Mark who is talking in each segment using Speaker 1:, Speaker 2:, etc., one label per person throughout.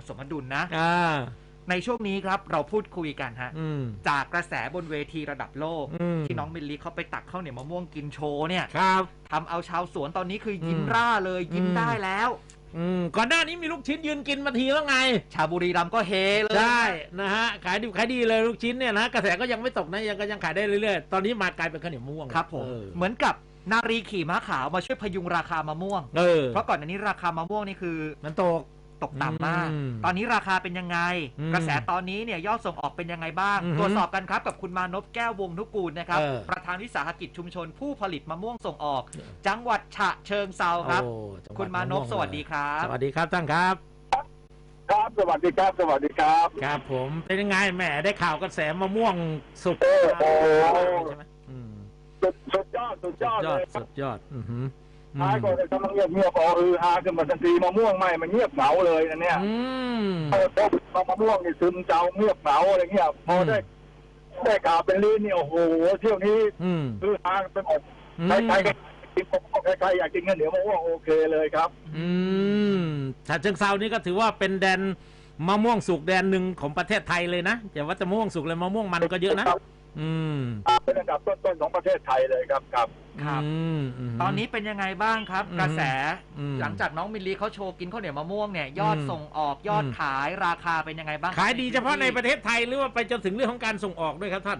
Speaker 1: สมดุลนะในช่วงนี้ครับเราพูดคุยกันฮะจากกระแสบนเวทีระดับโลกที่น้องมิลลิเขาไปตักข้าวเหนียวมะม่วงกินโชว์เนี่ยทำเอาชาวสวนตอนนี้คือยิ้มร่าเลยยิ้มได้แล้ว
Speaker 2: ก่อนหน้านี้มีลูกชิ้นยืนกินมาทีแล้วไง
Speaker 1: ชาวบุรีรัมย์ก็เฮเลย
Speaker 2: ได้นะฮะขายดีเลยลูกชิ้นเนี่ยนะกระแสก็ยังไม่ตกนะยังขายได้เรื่อยๆตอนนี้มากลายเป็นข้าวเหนียวมะม่วง
Speaker 1: ครับผมเหมือนกับนารีขี่ม้าขาวมาช่วยพยุงราคามะม่วงเพราะก่อนอันนี้ราคามะม่วงนี่คือ
Speaker 2: มันตก
Speaker 1: ต่ำมากตอนนี้ราคาเป็นยังไงกระแสตอนนี้เนี่ยยอดส่งออกเป็นยังไงบ้างตรวจสอบกันครับกับคุณมานพแก้ววงนุกูลนะครับประธานวิสาหกิจชุมชนผู้ผลิตมะม่วงส่งออกจังหวัดฉะเชิงเทราครับคุณมานพสวัสดีครับ
Speaker 2: สวัสดีครับท่านครับ
Speaker 3: ครับสวัสดีครับสวัสดีครับ
Speaker 2: ครับผมเป็นยังไงแหมได้ข่าวกระแสมะม่วงสุกใช่ไหม
Speaker 3: สุดยอดเลย
Speaker 2: สุดยอด
Speaker 3: ท้ายก็จะกำลังเงียบฮาขึ้นมาทันทีมะม่วงมันเงียบเหงาเลยนะเนี่ยมะม่วงนี่ซึมเจ้าเงียบเหงาอะไรเงี้ยพอได้ข่าวเป็นลีนนี่โอ้โหเที่ยวนี้คือฮาเป็นหมดใครอยากกินเงินเหนียวมะม่วงโอเคเลยครับ
Speaker 2: ฉะเชิงเทรานี่ก็ถือว่าเป็นแดนมะม่วงสุกแดนหนึ่งของประเทศไทยเลยนะอย่าว่าจะมะม่วงสุกเลยมะม่วงมันก็เยอะนะ
Speaker 3: เป็นอันดับต้นๆของประเทศไทยเลยครับ
Speaker 1: ตอนนี้เป็นยังไงบ้างครับกระแสหลังจากน้องมิลลีเขาโชว์กินข้าวเหนียวมะม่วงเนี่ยยอดส่งออกยอดขายราคาเป็นยังไงบ้าง
Speaker 2: ขายดีเฉพาะในประเทศไทยหรือว่าไปจนถึงเรื่องของการส่งออกด้วยครับท่าน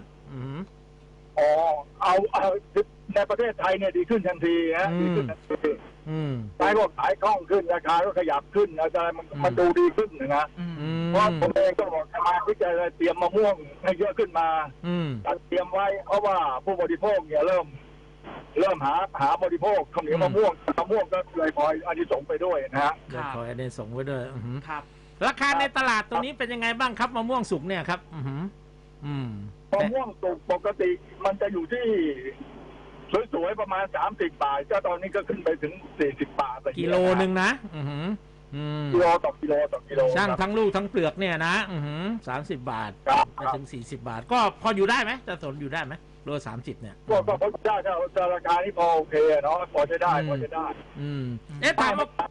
Speaker 3: เอาในประเทศไทยเนี่ยดีขึ้นทันทีฮะดีขึ้นทันทีขายก็ขายคล่องขึ้นราคาก็ขยับขึ้นอะไรมันดูดีขึ้นนะเพราะผมเองก็บอกมาวิจัยเตรียมมะม่วงให้เยอะขึ้นมาจัดเตรียมไว้เพราะว่าผู้บริโภคเนี่ยเริ่มหาบริโภคข้าวเหนียวมะม่วงก็เลยพลอยอันนี้ส่งไปด้วยนะฮะ
Speaker 2: เลยพลอยอันนี้ส่งไว้ด้วยครับราคาในตลาดตัวนี้เป็นยังไงบ้างครับมะม่วงสุกเนี่ยครับ
Speaker 3: มะม่วงสุกปกติมันจะอยู่ที่สวยๆประมาณ30 บาทก็ตอนนี้ก็ขึ้นไปถึง40 บาท
Speaker 2: กิโลนึงนะ
Speaker 3: กิโลต่อกิโล
Speaker 2: ช่างทั้งลูกทั้งเปลือกเนี่ยนะ30 บาทไปถึง40 บาทก็พออยู่ได้ไหมจะสนอยู่ได้ไหมโล30เนี่ย
Speaker 3: ก็พอได้ถ้าราคานี้พอโอเคเนาะพอจะได้
Speaker 2: ถาม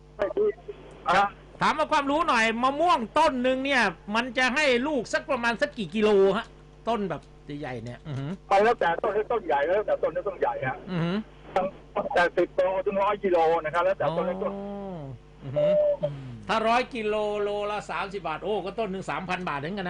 Speaker 2: มาความรู้หน่อยมะม่วงต้นหนึ่งเนี่ยมันจะให้ลูกสักประมาณสักกี่กิโลฮะต้นแบบใหญ่เนี่ย
Speaker 3: ไปแล้วแต่ต้นใหญ่แล้วแต่ต้นต้นใหญ่ฮะแต่10 โลถึง100 กิโลนะครับแล้วแต่ต้นต้น
Speaker 2: ถ้า100 กิโลโลละ30 บาทโอ้ก็ต้นหนึ่ง3,000 บาทถึงกัน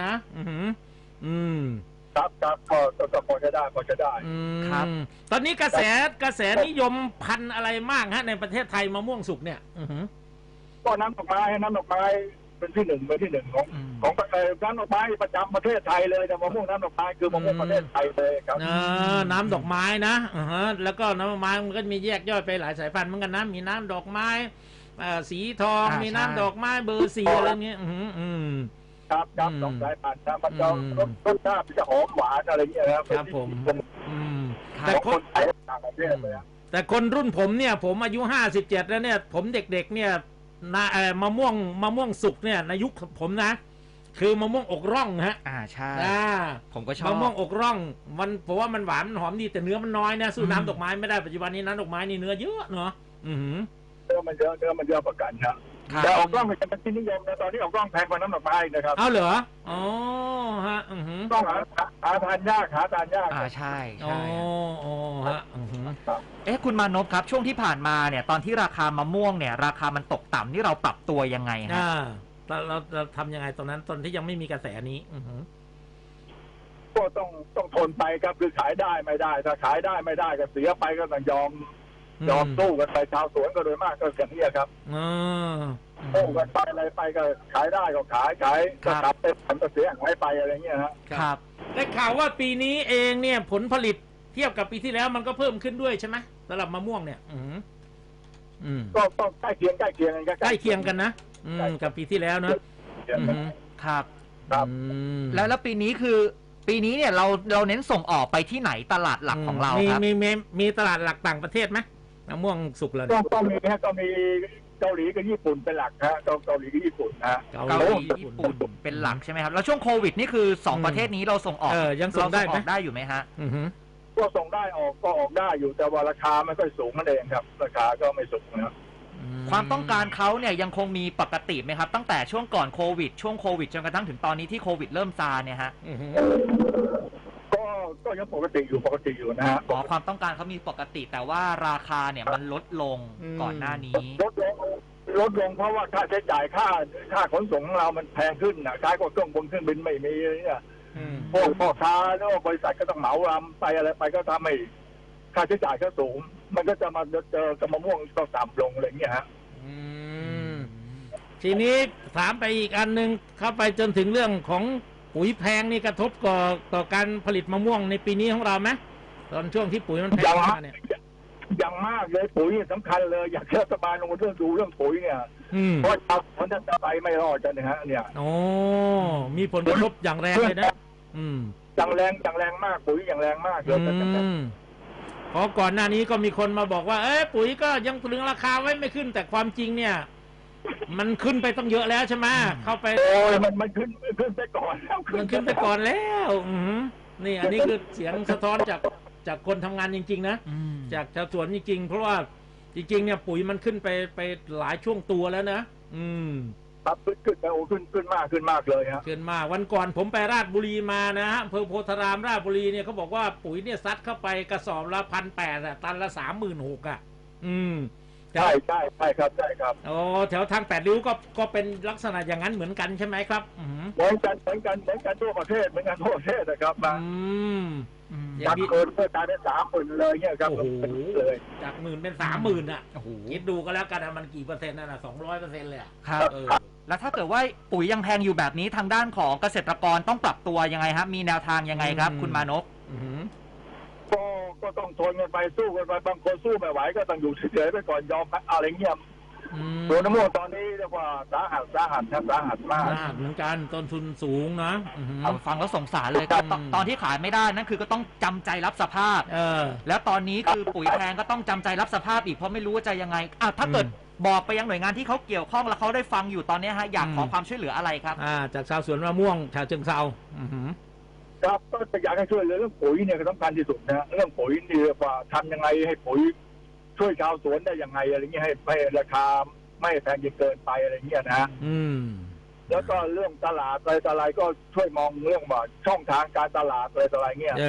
Speaker 2: นะครับ
Speaker 3: ก็พอจะได้
Speaker 2: ครับตอนนี้กระแสนิยมพันธุ์อะไรมากฮะในประเทศไทยมะม่วงสุกเนี่ย
Speaker 3: ก็น้ำดอกไม้เป็นที่หนึ่งของน้ำดอกไม้ประจำประเทศไทยเลยแต่มะม่วงน้ำดอกไม้คือมะม่วงประเทศไทยเลยครับ
Speaker 2: น้ำดอกไม้นะแล้วก็น้ำดอกไม้มันก็มีแยกย่อยไปหลายสายพันธุ์เหมือนกันนะมีน้ำดอกไม้สีทองมีน้ำดอกไม้เบอร์4อะไรเงี้ย
Speaker 3: ครับดอกสายพันธุ์นะมันจะรสชาติจะหอมหวานอะไรเงี้ย
Speaker 2: ครับผมแต่คนรุ่นผมเนี่ยผมอายุ57แล้วเนี่ยผมเด็กๆเนี่ยมะม่วงสุกเนี่ยในยุคผมนะคือมะม่วงอกร่องฮะ
Speaker 1: ใช่ผมก็ชอบ
Speaker 2: มะม่วงอกร่องมันผมว่ามันหวานมันหอมดีแต่เนื้อมันน้อยนะสู้น้ำดอกไม้ไม่ได้ปัจจุบันนี้น้ำดอกไม้นี่เนื้อเยอะเนาะ
Speaker 3: เนื้อมันเยอะประกันครับแต่ออกกล้องมันจะเป็นที่นิยมนะตอนนี้ออกกล้องแพงกว่าน้ำดอกไม้นะครับ
Speaker 2: เอาเหรอฮะ
Speaker 3: ต้องหาทานยาก
Speaker 1: ใช่ฮะคุณมานพครับช่วงที่ผ่านมาเนี่ยตอนที่ราคามะม่วงเนี่ยราคามันตกต่ำนี่เราปรับตัวยังไงฮะ
Speaker 2: เราทำยังไงตอนนั้นตอนที่ยังไม่มีกระแสนี้
Speaker 3: ก็ต้องทนไปครับคือขายได้ไม่ได้ถ้าขายได้ไม่ได้ก็เสียไปก็ต้องยอมสู้กันไปชาวสวนก็โดยมากก็อย่างนี้ครับสู้กันไปอะไรไปก็ขายได้ก็ขายก็กลับไปผลก็เสียหายไปอะไรเงี้ย
Speaker 2: ครับได้ข่าวว่าปีนี้เองเนี่ยผลผลิตเทียบกับปีที่แล้วมันก็เพิ่มขึ้นด้วยใช่ไหมสำหรับมะม่วงเนี่ย
Speaker 3: ก็ต้องใกล้เคียง
Speaker 2: กันนะกับปีที่แล้วนะครับ
Speaker 1: แล้วปีนี้คือปีนี้เนี่ยเราเน้นส่งออกไปที่ไหนตลาดหลักของเราครับ
Speaker 2: มีตลาดหลักต่างประเทศไหมมะม่วงสุกเลย
Speaker 3: ก็มีเกาหลีกับญี่ปุ่นเป็นหลักฮะเกาหลีกับญี่ปุ่นนะ
Speaker 1: เกาหลีญี่ปุ่นเป็นหลักใช่ไหมครับแล้วช่วงโควิดนี่คือ2ประเทศนี้เราส่งออก
Speaker 2: ยังส่ง
Speaker 1: ได้อยู่ไหมฮะ
Speaker 3: ก็ส่งได้ออกได้อยู่แต่ว่าราคาไม่ค่อยสูงนั่นเองครับราคาก็ไม่สูงนะครับ
Speaker 1: ความต้องการเขาเนี่ยยังคงมีปกติไหมครับตั้งแต่ช่วงก่อนโควิดช่วงโควิดจนกระทั่งถึงตอนนี้ที่โควิดเริ่มซาเนี่ยฮะ
Speaker 3: ก็ยังปกติอยู่นะฮะ
Speaker 1: ความต้องการเขามีปกติแต่ว่าราคาเนี่ยมันลดลงก่อนหน้านี้
Speaker 3: ลดลงเพราะว่าค่าใช้จ่ายค่าขนส่งของเรามันแพงขึ้นนะค่าก็เครื่องบินไม่มีเนี่ยพวกพ่อค้าหรือว่าบริษัทก็ต้องเหมาลำไปอะไรไปก็ทำให้ค่าใช้จ่ายก็สูงมันก็จะมาเจอกับมะม่วงก็ต่ำลงอะไรเงี้ยฮะ
Speaker 2: ทีนี้ถามไปอีกอันหนึ่งเข้าไปจนถึงเรื่องของปุ๋ยแพงนี่กระทบต่อการผลิตมะม่วงในปีนี้ของเราไหมตอนช่วงที่ปุ๋ยมันแพงมาเนี่ย
Speaker 3: อย่างมากเลยปุ๋ยสำคัญเลยอยากรัฐบาลลงมาดูเรื่องปุ๋ยเนี่ยเพราะชาวสวนจะไปไม่รอดกันนะฮะเนี่ย
Speaker 2: โอ้มีผลกระทบอย่างแรงเลยนะ
Speaker 3: อย่างแรงมากปุ๋ยอย่างแรงมากเลย
Speaker 2: เพราะก่อนหน้านี้ก็มีคนมาบอกว่าปุ๋ยก็ยังตรึงราคาไว้ไม่ขึ้นแต่ความจริงเนี่ยมันขึ้นไปต้องเยอะแล้วใช่ไหมเข้าไป
Speaker 3: โอ้ยมันขึ้นไปก่อนแล้ว
Speaker 2: มันขึ้นไปก่อนแล้วนี่อันนี้คือเสียงสะท้อนจากคนทำงานจริงๆนะจากชาวสวนจริงๆเพราะว่าจริงๆเนี่ยปุ๋ยมันขึ้นไปหลายช่วงตัวแล้วนะครับ
Speaker 3: ขึ้นไปขึ้นมากเลยฮะ
Speaker 2: ขึ้นมากวันก่อนผมไปราชบุรีมานะฮะอำเภอโพธารามราชบุรีเนี่ยเขาบอกว่าปุ๋ยเนี่ยซัดเข้าไปกระสอบละ1,800ตันละ36,000
Speaker 3: ใช่ครับ
Speaker 2: อ๋อแถวทาง8 ริ้วก็เป็นลักษณะอย่างนั้นเหมือนกันใช่ไหมครับ
Speaker 3: เหมือนกันทั่วประเทศนะครับอยากเกินเพื่อตายเป็น30,000เลยเนี่ยครับ
Speaker 2: เลยจาก 10,000เป็น30,000อ่ะคิดดูก็แล้วกันมันกี่เปอร์เซ็นต์นั่นน่ะ200%เลย
Speaker 1: ครับแล้วถ้าเกิดว่าปุ๋ยยังแพงอยู่แบบนี้ทางด้านของเกษตรกรต้องปรับตัวยังไงครับมีแนวทางยังไงครับคุณมานพ
Speaker 3: ก็ต้องทนกันไปสู้กันไปบางคนสู้ไม่ไหวก็ต้องอยู่เฉยๆไปก่อนยอมอะไรเงี้ยตัวน้ำมันตอนนี้เรียกว่าสาหัสมาก
Speaker 2: เหมือนกันต้นทุนสูงนะ
Speaker 1: ฟังแล้วสงสารเลยตอนที่ขายไม่ได้นั่นคือก็ต้องจำใจรับสภาพแล้วตอนนี้คือปุ๋ยแพงก็ต้องจำใจรับสภาพอีกเพราะไม่รู้ว่าจะยังไงถ้าเกิดบอกไปยังหน่วยงานที่เขาเกี่ยวข้องแล้วเขาได้ฟังอยู่ตอนนี้ฮะอยากขอความช่วยเหลืออะไรครับ
Speaker 2: จากชาวสวนมะม่วงชาวเชิงเทรา
Speaker 3: ครับก็อยากให้ช่วยเรื่องปุ๋ยเนี่ยสำคัญที่สุดนะเรื่องปุ๋ยนี่ว่าทำยังไงให้ปุ๋ยช่วยชาวสวนได้ยังไงอะไรเงี้ยให้ราคาไม่แพงจนเกินไปอะไรเงี้ยนะแล้วก็เรื่องตลาดอะไรก็ช่วยมองเรื่องว่าช่องทางการตลาดอะไรเงี้ย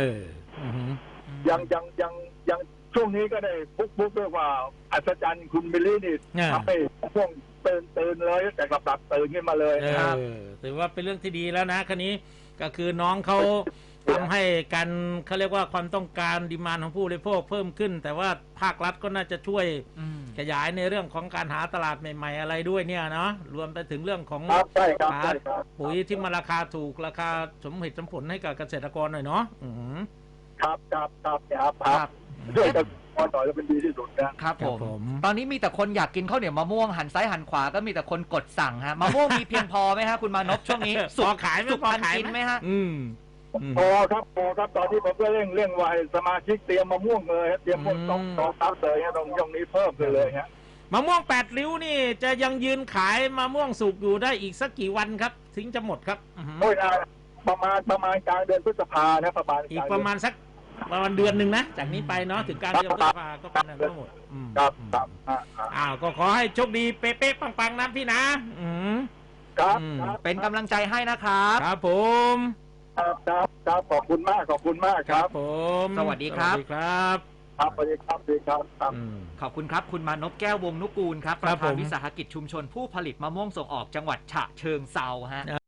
Speaker 3: ยังช่วงนี้ก็ได้ปุ๊บเรียกว่าอัศจรรย์คุณมิลลี่นี่ทำให้ช่วงตื่นเลยแต่กลับตื่นขึ้นมาเลย
Speaker 2: ครับถือว่าเป็นเรื่องที่ดีแล้วนะคันนี้ก็คือน้องเขาทำให้กันเขาเรียกว่าความต้องการดีมานด์ของผู้บริโภคเพิ่มขึ้นแต่ว่าภาครัฐก็น่าจะช่วยขยายในเรื่องของการหาตลาดใหม่ๆอะไรด้วยเนี่ยเนาะรวมไปถึงเรื่องของหาปุ๋ยที่มาราคาถูกราคาสมเหตุสมผลให้กับเกษตรกรหน่อยเนาะ
Speaker 3: ครับช่วยกันพอต่อจะเป็นดีที่สุด
Speaker 1: นะครับผมตอนนี้มีแต่คนอยากกินข้าวเหนียวมะม่วงหันซ้ายหันขวาก็มีแต่คนกดสั่งฮะมะม่วงมีเพียงพอไหมฮะคุณมานพช่วงนี้
Speaker 2: สุกขาย
Speaker 1: สุกทันกินไหมฮะ
Speaker 3: พอครับตอนนี้ผมก็เร่งไว้สมาชิกเตรียมมะม่วงเลยเตรียมพวกต้องตัดเลยฮะต้องย่องนี้เพิ่มเลยฮะ
Speaker 2: มะม่วง8 ริ้วนี่จะยังยืนขายมะม่วงสุกอยู่ได้อีกสักกี่วันครับถึงจะหมดครับ
Speaker 3: โอ้ยประมาณกลางเดือนพฤษภานะประมาณ
Speaker 2: อีกประมาณสักประมาณเดือนหนึ่งนะจากนี้ไปเนาะถึงการเดือนพฤษภาก็เป็นทั้งหมด
Speaker 3: ครับ
Speaker 2: ก็ขอให้โชคดีเป๊ะๆปังๆนะพี่นะครับ
Speaker 1: เป็นกำลังใจให้นะครับ
Speaker 2: ครับผม
Speaker 3: ครับขอบคุณมาก
Speaker 2: ครับผม
Speaker 1: สวัสดีครับ
Speaker 3: ครับสวัสดีครับ
Speaker 1: ขอบคุณครับคุณมานพแก้ววงนุกูลครับประธานวิสาหกิจชุมชนผู้ผลิตมะม่วงส่งออกจังหวัดฉะเชิงเทราฮะ